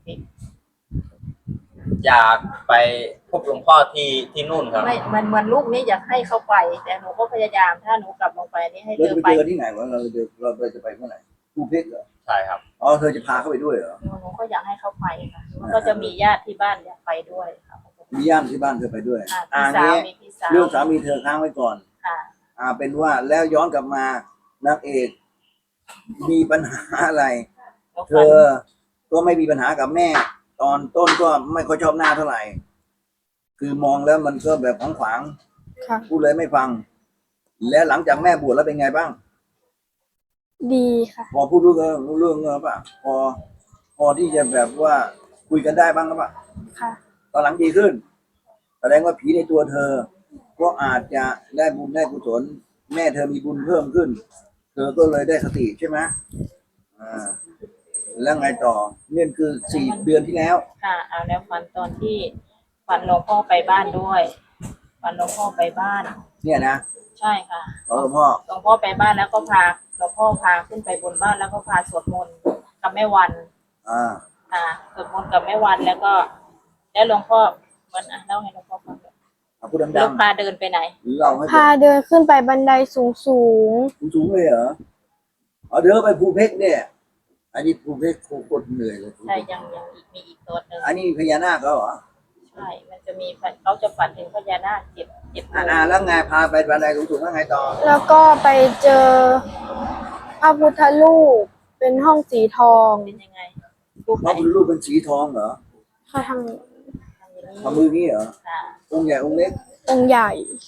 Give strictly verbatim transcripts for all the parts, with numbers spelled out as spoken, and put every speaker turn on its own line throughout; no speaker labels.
เพชร
อยากไปพบหลวงพ่อที่ที่นู่นครับ
ไม่มันมันลูกนี่อยากให้เขาไปแต่หนูก็พยายามถ้าหนูกลับลงไปนี่ให้เธ
เราจะ
อ
ไป
ไป
เจอที่ไหนวะเราจะเราจะไปเมื่อไหร่ภูเพชรเหรอ
ใช่ครับ
อ๋อเธอจะพาเขาไปด้วยเหรอ
หนูหนูก็อยากให้เขาไปค่ะมันก็จะมีญาติที่บ้านอยากไปด้วยค่ะ
มีญาติที่บ้านเธอไปด้วย
อ่า
อ่า
พี่สาว
งี้
มีพี่สาว
เรื่องสามีเธอค้างไว้ก่อน
ค่ะ
อ่าเป็นว่าแล้วย้อนกลับมานางเอกมีปัญหาอะไร เธอก็ไม่มีปัญหากับแม่ ตอนต้นก็ไม่ค่อยชอบหน้าเท่าไหร่ คือมองแล้วมันก็แบบขวางขวางๆ
ค่ะ
พูดเลยไม่ฟัง แล้วหลังจากแม่บวชแล้วเป็นไงบ้าง
ดีค่ะ
พอพูดรู้เรื่องรู้เรื่องเงอป่ะพอ พอที่จะแบบว่าคุยกันได้บ้างหรือเปล่า
ค่ะ
ตอนหลังดีขึ้น แสดงว่าผีในตัวเธอ ก็อาจจะได้บุญได้กุศลแม่เธอมีบุญเพิ่มขึ้น เธอก็เลยได้สติใช่ไหมอ่าแล้วไงต่อเนี่ยคือสี่เดือนที่แล้ว
ค่ะเอาแล้วฝันตอนที่ฝันหลวงพ่อไปบ้านด้วยฝันหลวงพ่อไปบ้าน
เนี่ยนะ
ใช่ค่ะ
หลวงพ่อ
หลวงพ่อไปบ้านแล้วก็พาหลวงพ่อพาขึ้นไปบนบ้านแล้วก็พาสวดมนต์กับแม่วัน
อ่า
ค่ะสวดมนต์กับแม่วันแล้วก็ แล้วหลวงพ่อเหมันอ่ะเล่าให้หลวงพ่อฟังหน่อย
เอาพูด
แล้
ดั
ว
ง
พาเดินไปไหน
ๆหรือเราให้
พาเดินขึ้นไปบันไดสูงสูง
สูงๆเลยเหรอเอาเดี๋ยวไปภูเพชรเนี่ย อันนี้ภูเพชรโคตรเหนื่อยเลย
ใช่ยังยังอีกมีอีกตัวหนึ่ง
อันนี้พญานาคเขาเหรอ
ใช่ มันจะมีฝันเขาจะฝันถึงพญานาคเจ็ดเจ็ด
อ่า
ตัว
อ่าแล้วไงพาไปบันไดสูงๆแล้วไงต่อ
ๆ แล้วก็ไปเจอพระพุทธรูปเป็นห้องสีทอง
เป็นยังไงรูปไห
พ
น
ระพุทธรูปเป็นสีทองเหรอ
ค่ะทาง
ทางนี้
ทำมือนี้เหรอ
ค่ะ
องค์ใหญ่องค์เล็ก
องค์ใหญ่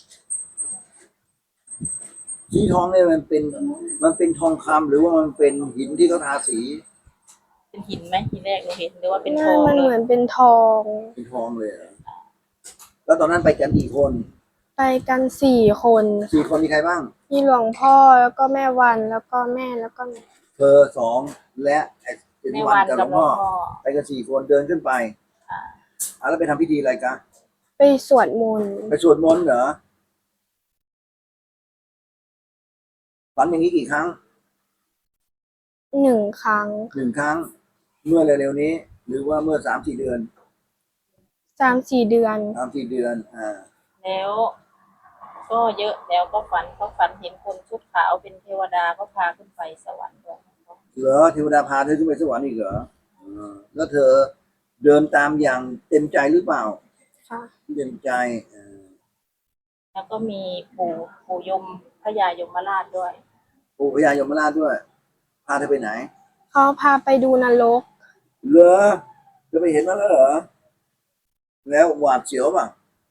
สีทองเนี่ยมันเป็นมันเป็นทองคำหรือว่ามันเป็นหินที่เขาทาสี
เป็นหินไหมทีแรกเราเห็นหรือว่าเป็น
ห
ท
น้า
อง
มัน
เล
เหมื
ย
อนเป็นทอง
เป็นทองเลยเหรอแล้วตอนนั้นไปกันกี่คน
ไปกันสี่คน
สี่คนมีใครบ้าง
มีหลวงพ่อแล้วก็แม่วันแล้วก็แม่แล้วก็
เธอสองและไอ้เจน
แม่
วั
วัน น
กับหล
กั
ว
บ
ง
หลว
พ่อง
พ่อ
ไปกันสี่คนเดินขึ้นไป
ค่ะ
อ่ะแล้วไปทำพิธีอะไรกัน
ไปสวดมนต์
ไปสวดมนต์เหรอฝันอย่างนี้กี่ครั้ง
หนึ่งครั้ง
หนึ่งครั้ง เมื่อเร็วๆนี้ หรือว่าเมื่อสามสี่เดือน
สามสี่เดือน
สามสี่เดือนอ่า
แล้ว ก็เยอะแล้วก็ฝันเขาฝันเห็นคนชุดขาวเป็นเทวดาก็พาขึ้นไปสวรรค์ด้วย
เหรอเทวดาพาเธอขึ้นไปสวรรค์อีกเหรออ่าแล้วเธอเดินตามอย่างเต็มใจหรือเปล่า
ค่ะ
เต็มใจอ่า
แล้วก็มีปู่ปู่ยมพญายมราชด้วย
ปู่พญายมราชด้วย พาเธอไปไหน
เขาพาไปดูนรก
เหรอจะไปเห็นมาแล้วเหรอ แล้วหวาดเสียวป่ะ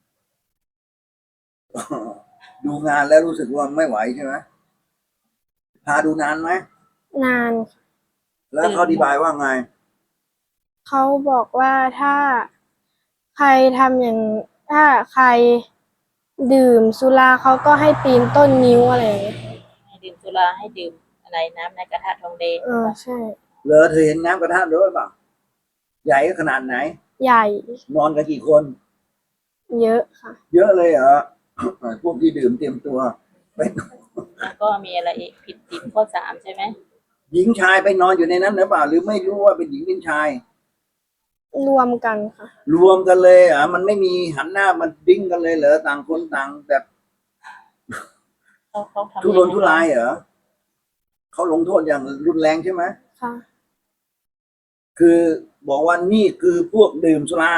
ดูงานแล้วรู้สึกว่าไม่ไหวใช่ไหมพาดูนานไหม
นาน
แล้วเขาอธิบายว่าไง
เขาบอกว่าถ้าใครทำอย่างถ้าใครดื่มสุราเขาก็ให้ปีนต้นนิ้วอะไรอย่างเงี้ย
ให้ดื่มสุราให้ดื่มอะไรน้ำในกระทะทองแดง
เออใช่
เหรอเธอเห็นน้ำกระทะด้วยป่ะใหญ่ขนาดไหน
ใหญ่
นอนกันกี่คน
เยอะค่ะ
เยอะเลยเหรอ พวกที่ดื่มเตรียมตัวไป
แล้วก็มีอะไรอีกผิดศีลข้อสามใช่ไหม
หญิงชายไปนอนอยู่ในนั้นหรือเปล่า หรือไม่รู้ว่าเป็นหญิงเป็นชาย
รวมกันค่ะ
รวมกันเลยเหรอ่ะมันไม่มีหันหน้ามันดิ้งกันเลยเหรอต่างคนต่างแบบ
เขาเขาทำ
ทุรนทุรายเหรอเขาลงโทษอย่างรุนแรงใช่ไหม
ค่ะ
คือบอกว่านี่คือพวกดื่มสุรา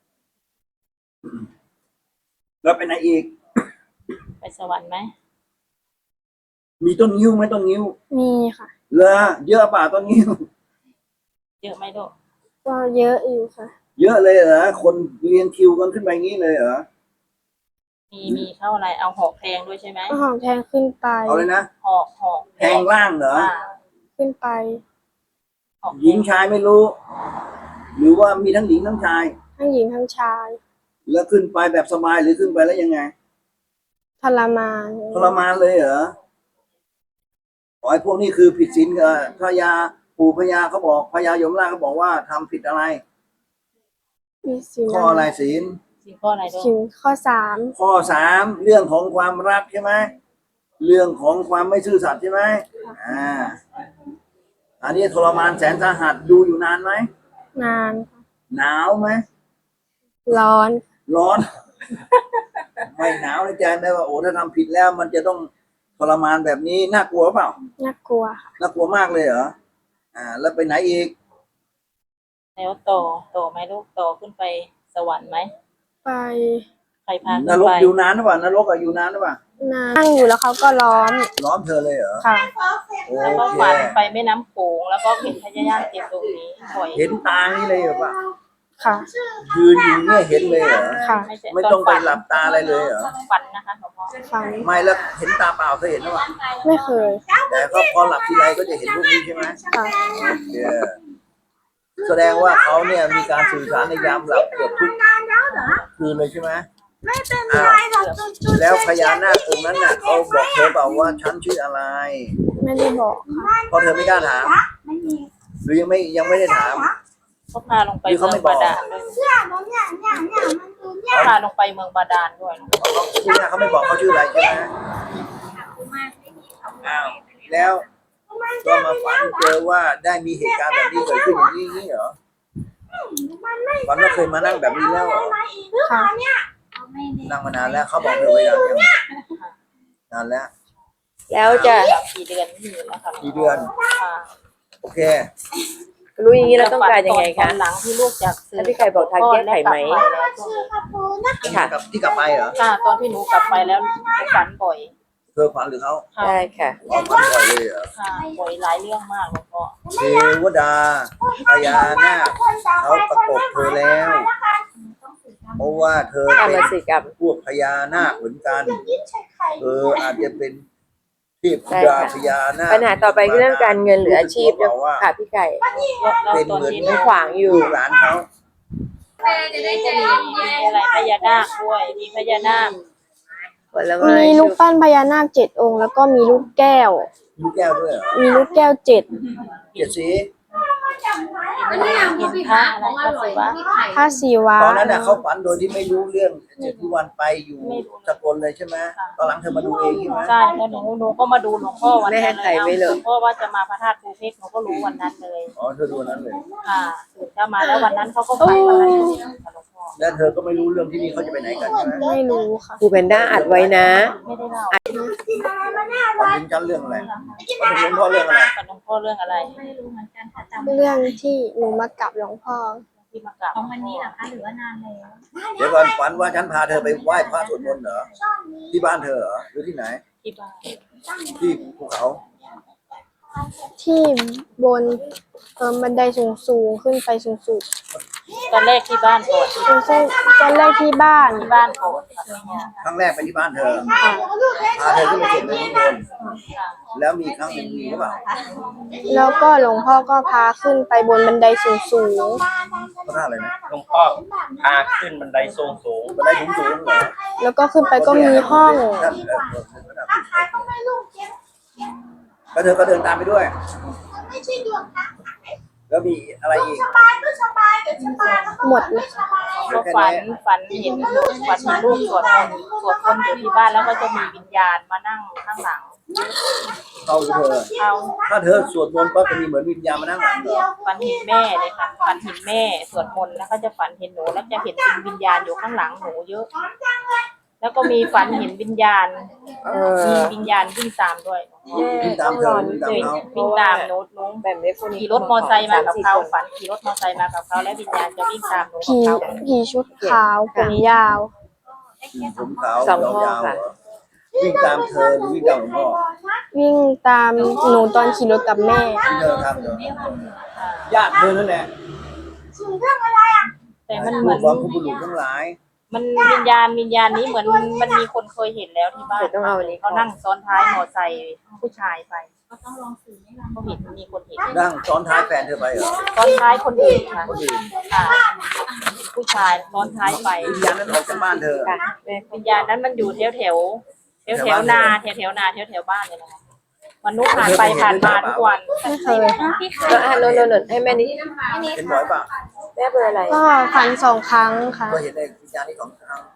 แล้วไปไหนอีก
ไปสวรรค์ไหม
มีต้นงิ้วไหมต้นงิ้ว
มีค่ะ
เหรอเยอะป่าต้นงิ้ว
เยอะไหมลูก
ก็เยอะอยู่ค่ะ
เยอะเลยเหรอคนเรียงคิวกันขึ้นไปงี้เลยเหรอ
มีมีเข้าอะไรเอาหอกแทงด้วยใช่ไหม
เอาหอมแทงขึ้นไป
เอาเลยนะ
หอกหอก
แทงล่างเหรอ
อ่า
ขึ้นไป
หอกแท
หญิงชายไม่รู้ หรือว่ามีทั้งหญิงทั้งชาย
ทั้งหญิงทั้งชาย
แล้วขึ้นไปแบบสบายหรือขึ้นไปแล้วยังไง
ทรมาน
ทรมานเลยเหรออ๋อไอ้พวกนี้คือผิดศีลกับพญาปู่พญาเขาบอกพญายมราชเขาบอกว่าทำผิดอะไร
มีสิน
ข้ออะไรศีล
ศีลข้ออะไรลู
สิ
ก
นข้อสาม
ข้อสามเรื่องของความรักใช่ไหมเรื่องของความไม่ซื่อสัตย์ใช่ไหมอ่า อันนี้ทรมานแสนสาหัสดูอยู่นานไหม
นานค่ะ
หนาวไหม
ร้อน
ร้อน ไม่หนาวในใจไหมว่าโอ้ถ้าทำผิดแล้ว มันจะต้องทรมานแบบนี้น่ากลัวเปล่า
น่ากลัวค่ะ
น่ากลัวมากเลยเหรออ่า แล้วไปไหนอีก
แล้วต่อต่อไหมลูกต่อขึ้นไปสวรรค์ไหม
ไป
ใครพาขึ้
น
น
รก
ไป
อยู่นานหรือเปล่านรกอะอยู่นานหรือเปล่า
นั่งอยู่แล้วเขาก็ล้อม
ล้อมเธอเลยเหรอ
ค่ะ
โอ
แล้วก็
เค
ฝันไปแม่น้ำโขงแล้วก็เห็นพญายามเจ็บตรงนี้บ่อย
เห็นตานี่เลยเหรอปะ
ค่ะ
ยืนอยู่เนี่ยเห็นเลยเหรอ
ค่ะ
ใช่
ไม่ต้องไปหลับตาอะไรเลยเหรอ
ฝันนะคะหลวงพ่อ
ฟัง
ไม่แล้วเห็นตาเปล่าเคยเห็นหรือเปล่า
ไม่เคย
แต่ก็พอหลับทีไรก็จะเห็นพวกนี้ใช่ไหม
ค่ะ
โอเคแสดงว่าเขาเนี่ยมีการสื่อสารในยามหลับเกือบทุกคืนเลยใช่ไหมอ้าวแล้วพญานาคองค์นั้นน่ะเขาบอกเธอเปล่าว่าฉันชื่ออะไร
ไม่ได้บอกค่ะ
เพราะเธอไม่กล้าถามหรือยังไม่ยังไม่ได้ถาม
เขาพาลงไป
หรือ
เมื
เขา
อง
ไม่บอก
บาดาลด้วยเขาพาลงไปเมืองบาดาลด้วย
เขาที่นี่เขาไม่บอกเขาชื่ออะไรใช่ไหมอ้าวแล้วก็มาฝันเจอว่าได้มีเหตุการณ์แบบนี้เกิดขึ้นอย่างนี้นี่เหรอฝันว่าเคยมานั่งแบบนี้แล้วเหรอ
ค่ะ
นั่งมานานแล้วเขาบอกเธอไว้นานยังนานแล้ว
แล้วจะ
สามสี่เดือนนี่แล้วค่ะ
กี่เดือน
ค่ะ
โอเค
รู้อย่างนี้เราต้องการยังไง
ต
คะ
อนหลังที่ลูกจากสื่
แล้วพี่ไก่บอกทางแก้ไขไหม ค่ะ
กับที่กลับไปเหรอ
ค่ะตอนที่หนูกลับไปแล้วฝันบ่อย
เธอฝันหรือเขา
ค่ะ
ได้ค่ะ
เขาฝันบ่อยเลยเหรอ
ค่ะบ่อยหลายเรื่องมากหลวงพ่อ
เทวดาพญานาคเขาประกบเธอแล้ว เพราะว่าเธอ
ทำ
เป็
มาน สิกรรม
พวกพญานาคเหมือนกันเธออาจจะเป็นเทพธิดาพญานาค
ปัญหาต่อไปคือเรื่องการเงินหรืออาชีพ
บอกว่า
ค่ะพี่ไก่
แล้ว
เป็น
ตอน
เหมือน
นี้
มันขวางอยู่
ลูกหลานเขา
มีอะไรพญานาคด้วยมีพญานาค
ผลไม้
มีลูกปั้นพญานาคเจ็ดองค์ แล้วก็มีลูกแก้ว
ลูกแก้วด้วยเหรอ
มีลูกแก้วเจ็ด
เจ็ดสี
เห็นพระอะไรก็สิวะ
พระศิวะ
ตอนนั้นน่ะเขาฝันโดยที่ไม่รู้เรื่องเจ็ดที่วันไปอยู่สกลเลยใช่ไหมตอนหลังเธอมาดูเองใช่ไหม
ใช่แล้วหนูหนูก็มาดูหลวงพ่อวัน
ไม่
นั้
ให้
น
ใครไว้เลย
หลวงพ่อว่าจะมาพระธาตุภูเพชรหนูก็รู้วันนั้นเลย
อ๋อเธอดูอันนั้นเลย
ค่ะตื่นเช้ามาแล้ววันนั้นเขาก็ฝันวันนั้นเลยค่ะหลวงพ่อ
แล้วเธอก็ไม่รู้เรื่องที่นี่เขาจะไปไหนกันใช่ไหม
ไม่รู้ค่ะ
ครูแพนด้าอัดไว้นะ
ไม่ได้เล่า
ฝันถึงฉันเรื่องอะไรฝันถึงหลวงพ่อเรื่องอะไร
ฝันหลวงพ่อเรื่องอะไร
เรื่องที่หนูมากับหลวงพ่อ
ที่มากราบ
ของวันนี้เหรอคะหรือว่านานแล้ว
เดี๋ยวก่อนฝันว่าฉันพาเธอไปไหว้พระสวดมนต์เหรอที่บ้านเธอเหรอหรือที่ไหน
ที่บ้าน
ที่ภูเขา
ที่บนเออบันไดสูงสูงๆขึ้นไปสูงสูง
ตอนแรกที่บ้านก่อน
ๆคือเส้นตอนแรกที่บ้าน
ที่บ้านก่อนค่ะ
ครั้งแรกไปที่บ้านเธอ
ค่ะ
พาเธอขึ้นไปสวดมนต์ข้างบน
ค่ะ
แล้วมีครั้งหนึ่งมีหรือเปล่า
แล้วก็หลวงพ่อก็พาขึ้นไปบนบันไดสูงสูง
พระธาตุอะไรนะ
หลวงพ่อพาขึ้นบันไดสูงสูง
บันไดสูงสูงๆเหรอ
ๆแล้วก็ขึ้นไปก็มีห้อง
ท่านเอ่อแล้วเธอก็เดินตามไปด้วย แล้วมีอะไรอีก
หมดเลย
ก็ฝันฝันเห็นฝันเห็นลูกสวดมนต์สวดมนต์อยู่ที่บ้านแล้วก็จะมีวิญญาณมานั่งข้างหลัง
เข้าหรือเธอ
เขา
ถ้าเธอสวดมนต์ก็จะมีเหมือนวิญญาณมานั่งหลังเหรอ
ฝันเห็นแม่เลยค่ะฝันเห็นแม่สวดมนต์แล้วก็จะฝันเห็นหนูแล้วจะเห็นเป็นวิญญาณอยู่ข้างหลังหนูเยอะ แล้วก็มีฝันเห็นวิญญาณ
เออ
มีวิญญาณวิ่งตามด้วย
วิ่งตามเธอวิ่งตามเขา
วิ่งตามหนูหนู
แบบนี้พวกนี้
ขี่รถมอไซค์มากับเขาฝันขี่รถมอไซค์มากับเขาแล้ววิญญาณจะวิ่งตามหนูกั
ผี
บเขา
ผีชุดขาวผมยาว
ผมขาวยาวๆเหรอวิ่งตามเธอหรือวิ่งตามหลวงพ่อ
วิ่งตามหนูตอนขี่รถกับแม่
ที่เธอทำเหรอญาติเธอนั่นแหละ
แต่มันเห
ลู
มือก น
ของคุณบุรุษทั้งหลาย
มันวิญญาณวิญญาณนี้เหมือนมันมีคนเคยเห็นแล้วที่บ้าน
เดี๋ยวต้องเอาอันนี้
เขานั่งซ้อนท้ายมอไซค์ผู้ชายไป
ก็ต้องลองสื่อให้เรา
เขาเห็นมีคนเห็น
นั่งซ้อนท้ายแฟนเธอไปเหรอ
ซ้อนท้ายคนอื่นค่ะ
คนอื่น
ค่ะ ผู้ชายซ้อนท้ายไป
วิญญาณนั้นออกจากบ้านเธอ
ค่ะ
วิญญาณนั้นมันอยู่แถวแถวแถวแถวๆนาแถวแถวๆนาแถวแถวๆบ้านเนี่ยนะคะมนุษย์ผ่านไปผ่านมาทุกวัน
ไม่เคย
เอออ่ะโนนโนนโนนให้แม่นี้
เห็นบ่อยเปล่ะ
แม่เบอร์อะไร
ก็ฟันสองครั้งค่ะ
ก็เห็นในวิญญาณนี้ของเขา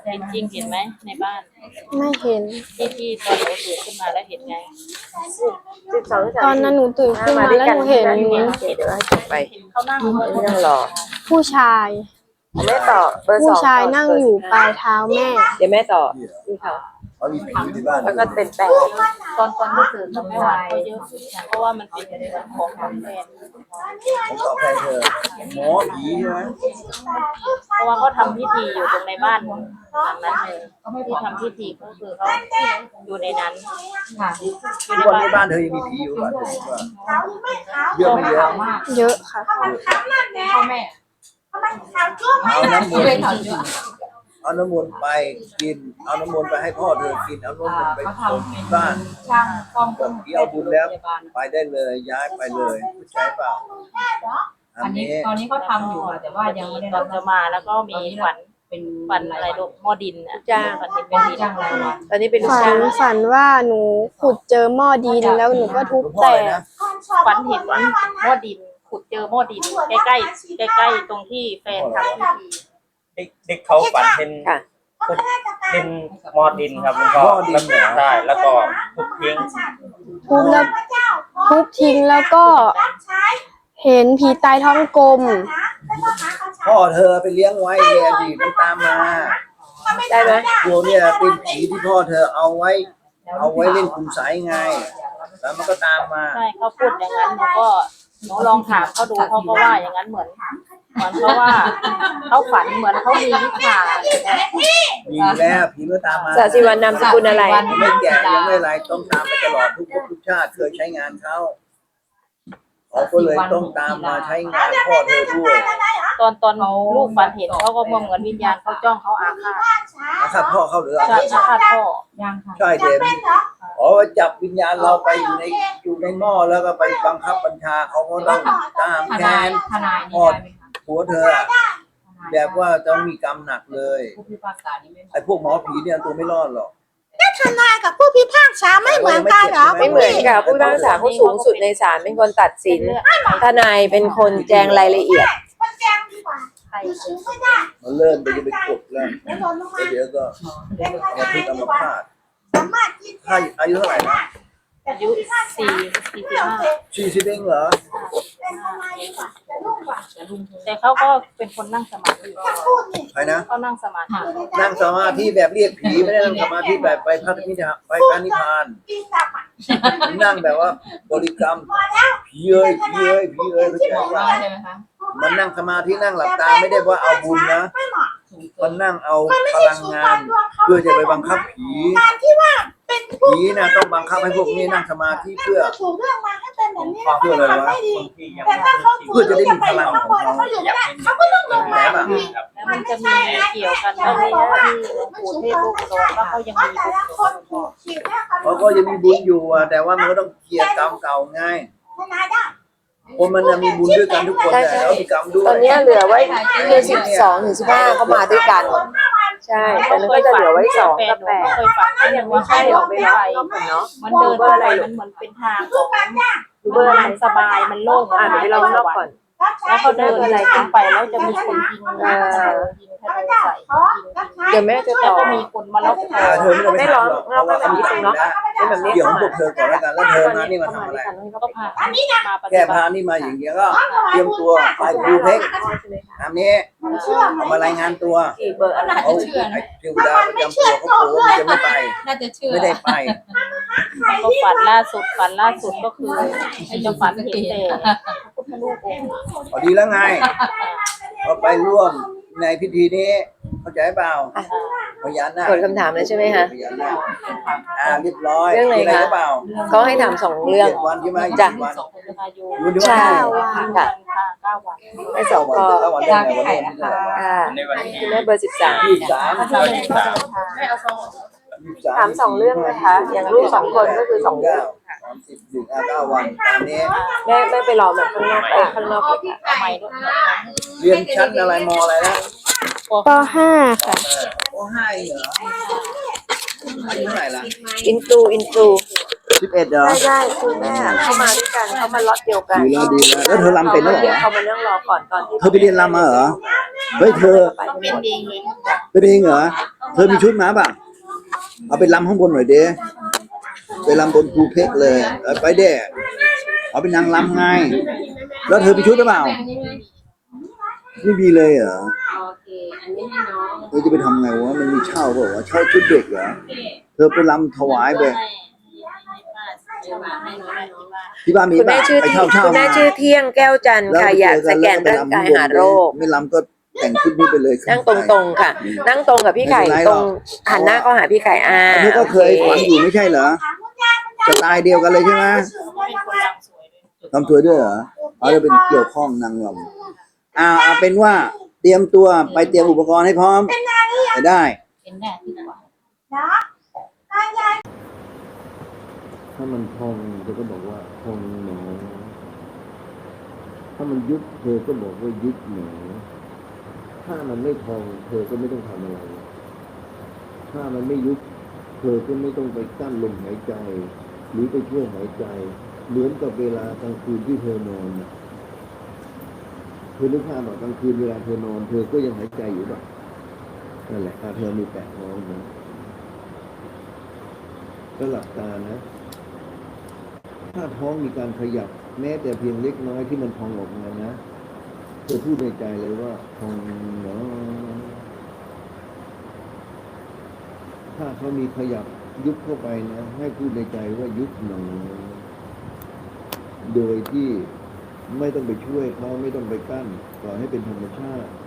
เห็นจริงเห็นไหมในบ้าน
ไม่เห็น
ที่ที่ตอนหนูตื่นขึ้นมาแล้วเห็นไง
สิบสอง
ตอนนั้นหนูตื่นขึ้นมาแล้วหนูเห็น
โอเคเดี๋ยวให้จบไป
เห็นเขานั่ง
ไม่ต้องรอ
ผู้ชาย
แม่ต่อเบอร์ส
ผู้
อง
ชายนั่งอยู่ปลายเท้าแม่
เดี๋ยวแม่ต่อนี่เขา
เขามีผีในบ้าน
แล้วก็เป็นแปด
ตอนตอนที่ตื่นตอนไม่ไหวเขาเยอะเพราะว่ามันเป็นเรื่องของของแฟน
ผมตอบแทนเธอหมอผีใช่ไหม
เพราะว่าเขาทำพิธีอยู่ตรงในบ้านหลังนั้นเลยที่ทำพิธีก็คือเขาอยู่ในนั้นค่ะอยู่
ทุ
ใน
กวัน
บ้าน
ในบ้านเธอยังมีผีอยู่ป่ะเธอคิดว่าเยอะไม่เยอะ
เยอะค่ะ
พ่อแม่
เอาน้ำมนต์เอาน้ำมนต์ไปกิน เอาน้ำมนต์ไปให้พ่อเธอกิน เอาน้ำมนต์ไปส่งที่บ้าน
ช่างซ่อม
บอกผีเอาบุญแล้ว ไปได้เลยย้ายไปเลยเข้าใจเปล่าอั
อั
น
นนี้
นี้
ตอนนี้เขาทำอยู่ค่ะแต่ว่ายังไม่ได้
ตอ
รั
น
บ
จะมาแล้วก็มีฝัน
เป็น
ฝันอะไรลูกหม้อดินอ่ะ
จ้าง
ฝันเห็น
เป็
เป็น นดิน
จ้างรายวัน
ตอนนี้เป็นลูก
ฝั
จ้าน ง
ฝันว่าหนูขุดเจอหม้อดินแล้วหนูก็ทุบ
หลวงพ่อ
แต
อะไร
ก
นะ
ฝันเห็นหม้อดินขุดเจอหม้อดินใกล้ใกล้ใกล้ใกล้ๆตรงที่แฟนทำพิธี
เด็กเด็กเขาฝันเห็น
ค่ะ
เป็นมอดินครับแล้วก็
หม้อดินเหรอ
ใช่แล้วก็ทุกทิ้ง
ทุบแล้วทุบทิ้งแล้วก็เห็นผีตายท้องกลม
พ่อเธอไปเลี้ยงไว้เรียนดีมันตามมา
ได้ไหม
โยมเนี่ยเป็นผีที่พ่อเธอเอาไว้ เอาไว้เล่นคุณสายไง แล้วมันก็ตามมา
ใช่เขาพูดอย่างนั้นหนูก็หนูลองถามเขาดูเขาก็ว่าอย่างนั้นเหมือนเหมือนเขาว่าเขาฝันเหมือนเขามีวิชา
มีแล้วผีมันตามมา
สาสิวันนามสกุลอะไร
ไม่แก่ยังไม่ไรต้องตามไปตลอดทุกภพทุกชาติเคยใช้งานเขาเขาก็เลยต้องตามมาใช้งานพ่อเธอด้วย
ตอนตอนลูกฝันเห็นเขาก็มองเหมือนวิญญาณเขาจ้องเขาอาฆาต
อาฆาตพ่อเขาหรืออา
ใช่
ฆาต
อาฆาตพ่อ
ยังค่ะ
ใช่เดมอ๋อจับวิญญาณเราไปอยู่ในอยู่ในหม้อแล้วก็ไปบังคับบัญชาเขาก็ต้องตาม
ท
แท
นาย
น
ทนายนี่ได้ไหมคะ
หัวเธออะแบบว่าต้องมีกรรมหนักเลย
ผู้พิพากษานี่ไม่
ไอ้พวกหมอผีเนี่ยตัวไม่รอดหรอก
ทนายกับผู้พิพากษาไม่เหมือนกันเหรอ
ไม่เหมือนกับผู้พิพากษาเขาสูงสุดในศาลเป็นคนตัดสิน ทนายเป็นคนแจงรายละเอียด
มันแจ้งดีกว่าอยู่ชื้นไม่ได้
มันเริ่มไปจะไปกดแล้ว
เดี๋ยวโดนลงมา
แล้วเดี๋ยวก็
เป็นท
มา
นาย
พิ
ดี
กรรม
กว่า
พาต
สามารถกิน
ถ้าอายุเท่าไหร่นะ
อายุสี่สี่สิบห้า
สี่สิบเองเหรอ
เป็นทนายดีกว่าจะรุ่งกว่า
แต่เขาก็เป็นคนนั่งสมาธิ
จะพูดนี่
ใครนะ
เขานั่งสมาธิ
นั่งสมาธิแบบเรียกผีไม่ได้นั่งสมาธิแบบไปพระนิพพานไปพระนิพพาน
กินกลับอ่ะ
นั่งแบบว่าบริกรรม
พอแล้ว
ผีเอ้ยผีเอ้ยผีเอ้ยเข้าใจ
บอก
ว่า
ว่าใช่ไหมคะ
มันนั่งสมาธินั่งหลับตาไม่ได้ว่าเอาบุญนะ
ไม่เหมาะ
มันนั่งเอา
มันไม่
พ
ใช่
ลัง
ชู
งา
ควาน มดวงเขา
เพื่อจะไปบังคับผี
การที่ว่าเป็นผู้
ผีนะต้องบังคับให้พวกนี้นั่งสมาธิเพื่อ
ถูกเรื่องมาให้เป็นแบบนี้
เพื่ออะไรวะ
ไม่ดี
คนที่ยัง
แต่
ไม่
ถ้าเขา
ชิน
เพื่อจะได้มีพลังของเขา
เขาอยู่ไม่ได้เขาก็ต้องลงมา
แบบ
อีก
ครับ
แล้วมันจะมีเกี่ยวกันตรงนี้ที่หลวงปู่เทพลูกโดนว่าเขายังมีบุญอยู่
คนถูกฉีดแค่คำ
เขาก็ยังมีบุญอยู่อะแต่ว่ามันก็ต้องเคลียร์กรรมเก่าไง
ทนายได้
คนมันจะมีบุญด้วยกันทุกคน
ใช่
แต่
ใช่
แล้วมีกรรมด้วย
ตอนนี้เหลือไว้คือสิบสองถึงสิบห้าเขามาด้วยกัน ใช่ตอนนั้นก็จะเหลือไว้สองกับแปด
เคยฝันเขายังว่า
ใช่
ให้
อ
อ
อ
อก ก
ไป
ไป
ร
ไป
อบนอกก่อนเนาะ
มันเดินไปมันเหมือนเป็นทางของ
ดูเบอร์อะไร
มันสบายมันโล่ง
อ่านไปลองนอกก่อน
แล้วเขาเดินอะไรขึ้นไปแล้วจะมีคนยิง
เออ
ยิงทะเลใส่ยิงยิง
เดี๋ยวแม่จะ
แล้ว
ต่อ
ก็มีคนมาล็อกคอ
อ่าเธอไม่ต้องไป
ไม่
ถา
ร้อ
ม
ง
หรอกเพ
เรา
ราะ
ก็
ว่า
แบบ
เขา
นี้
ทำ
เนาะ
ได้
เป็นแบบนี้
เกี่ยว
เข้า
ของพ
มาว
กเธอก่อนแล้วกันแล้วเธอมานี่มาทำอะไร
ก็พามาปฏิ
แก้
บั
พา
ติ
นี่มาอย่างเงี้ยก็เตรียมตัวไปครูเพ่งทำนี้เอามารายงานตัว
อีกเบอร์อะไร
เขาไอ้เทวดาประจำตัวเขาโกรธมันจะไม่ไป
น่าจะเชื่อ
ไม่ได้ไป
ก็ฝันล่าสุดฝันล่าสุดก็คือจะฝันเห็นแต่พระพุทธรูปองค์
พอดีแล้วไงเราไปร่วมในพิธีนี้เข้าใจเปล่าพญานาค
กดคำถามแล้วใช่ไหมคะ
พญานาคอ่าเรียบร้อย
เรื่องอะไร
มีอะไร
คะ
หรือเปล่า
เขาให้ถามสองเรื่อง
เจ็ดวันใช่ไหม
จ้ะ
ยี่สิบวัน
สองคนอายุ
อยู่ด้วย
ใช่
กัน
ค่ะ
เก้าวัน
ให้สอง
วัน
ข้อ
เก้าวันได้ไงวันนี้วันที่เท่าไหร่
ค่ะ
ในวันที่
คุณแม่เบอร์สิบสาม
ยี่สิบสาม
ถ้าจะเป็นก็เดินทาง
ยี่สิบส
ถามสองเรื่องนะคะอย่างลูกสองคนก็คือสองเรื่อง
สามสิบหนึ่งอ่ะเก้าวันตามนี้
แม่แม่ไปรอแบบข้างนอกไปข้างนอกเลยค่ะ
ทำไมด้วย
เรียนชั้นอะไรมอะไรนะ
ปห้าค่ะ
โอ้ห้าเหรออายุเท่าไหร่ละ
อินตูอินตู
สิบเอ็ดเหรอ
ใช่ใช่คือแม่เขามาด้วยกันเขามาล็อตเดียวกัน
ดีแล้วดีแล้วแล้วเธอรำเป็นด้วยเหรอ
เขามานั่งรอก่อนตอนที่
เธอไปเรียนรำมาเหรอเฮ้ยเธอ
ไปเป็นเองเลย
ไปเรียนเหรอเธอมีชุดมาป่ะเอาไปลำข้างบนหน่อยเด้ไปลำบนภูเพกเลยเออไปเด้เอาเป็นนางลำไงแล้วเธอมีชุดหรือเปล่าไม่มีเลยเหรอ
โอเคอันนี้ให้น้อง
เธอจะไปทำไงวะมันมีเช่าเปล่าวะเช่าชุดเด็กเหรอเธอไปรำถวายไปที่บ้านมี
คุณแม่
ป่ะ
ชื่อ
ไป
ที่
เช่าเช่า
คุณแม่
มา
ชื่อเที่ยงแก้วจันทร์
แล้ว
ค่ะ
ไป
อยาก
เจ
ส
อ
แก
แล้ว
น
ก็ไป
ร่าง
รำ
กาย
ข้างบน
หาโรค
ไม่รำก็แต่งชุดนี้ไปเลย
นั่งตรงๆค่ะ นั่งตรงกับพี่ไข่
ไม่เป็นไร
ต
ห
ร
รอก
งหันหน้าเข้าหาพี่ไข่อ่า
อันนี้ก็เคย
โอ
ฝันอยู่ไม่ใช่เหรอสไตล์เดียวกันเลยใช่ไหม
เป็นคนรำสวยด้วย
ทำสวยด้วยเหรอเอาจะเป็นเกี่ยวข้องนางรำอ่าเอาเป็นว่าเตรียมตัวไปเตรียมอุปกรณ์ให้พร้อมไปได้
เป็นแน่ที่กว่า
ถ้ามันพองเธอก็บอกว่าพองหนอถ้ามันยุบเธอก็บอกว่ายุบหนอถ้ามันไม่พองเธอก็ไม่ต้องทำอะไร ถ้ามันไม่ยุบเธอก็ไม่ต้องไปกั้นลมหายใจ หรือไปช่วยหายใจ เหมือนกับเวลากลางคืนที่เธอนอนน่ะเธอนึกภาพว่ากลางคืนเวลาเธอนอน เธอก็ยังหายใจอยู่แบบนั่นแหละถ้าเธอมีแปะท้องนะก็หลับตานะถ้าท้องมีการขยับแม้แต่เพียงเล็กน้อยที่มันพองออกมานะเธอพูดในใจเลยว่าพองเนาะถ้าเขามีขยับยุบเข้าไปนะให้พูดในใจว่ายุบหนอโดยที่ไม่ต้องไปช่วยเขาไม่ต้องไปกั้นปล่อยให้เป็นธรรมชาติ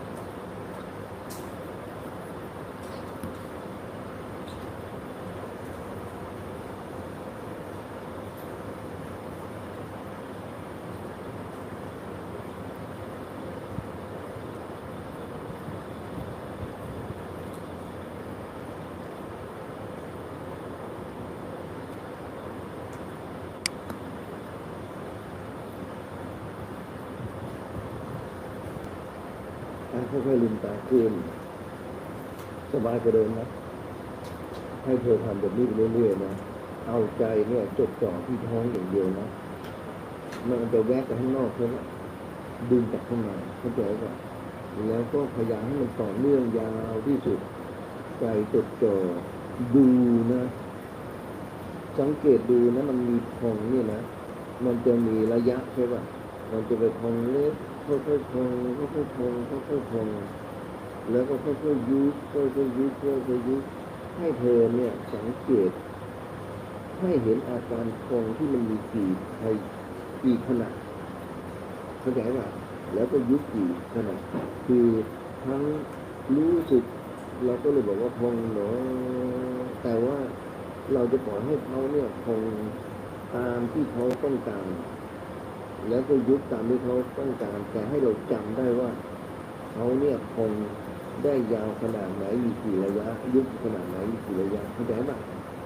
ค่อยๆลืมตาขึ้นสบายกว่าเดิมนะให้เธอทำแบบนี้ไปเรื่อยๆนะเอาใจเนี่ยจดจ่อที่ท้องอย่างเดียวนะมันจะแวกไปข้างนอกเท่านั้นดึงจากข้างในเข้าใจป่ะแล้วก็พยายามให้มันต่อเนื่องยาวที่สุดใจจดจ่อดูนะสังเกตดูนะมันมีพองเนี่ยนะมันจะมีระยะใช่ป่ะมันจะไปพองเล็กค่อยๆพองค่อยๆพองค่อยๆพองแล้วก็ค่อยๆยุบค่อยๆยุบค่อยๆยุบให้เธอเนี่ยสังเกตให้เห็นอาการพองที่มันมีกี่กี่ขนาดเข้าใจป่ะแล้วก็ยุบกี่ขนาดคือทั้งรู้สึกเราก็เลยบอกว่าพองเนาะแต่ว่าเราจะปล่อยให้เขาเนี่ยพองตามที่เขาต้องการแล้วก็ยุบตามที่เขาต้องการแต่ให้เราจำได้ว่าเขาเนี่ยคงได้ยาวขนาดไหนมีกี่ระยะยุบขนาดไหนมีกี่ระยะเข้าใจไหม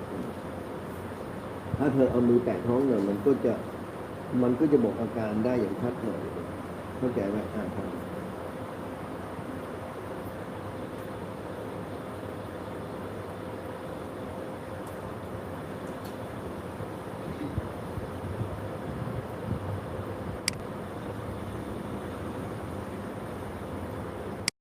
ถ้าเธอเอามือแตะท้องเนี่ยมันก็จะมันก็จะบอกอาการได้อย่างชัดหน่อยเข้าใจไหมอ่าครับ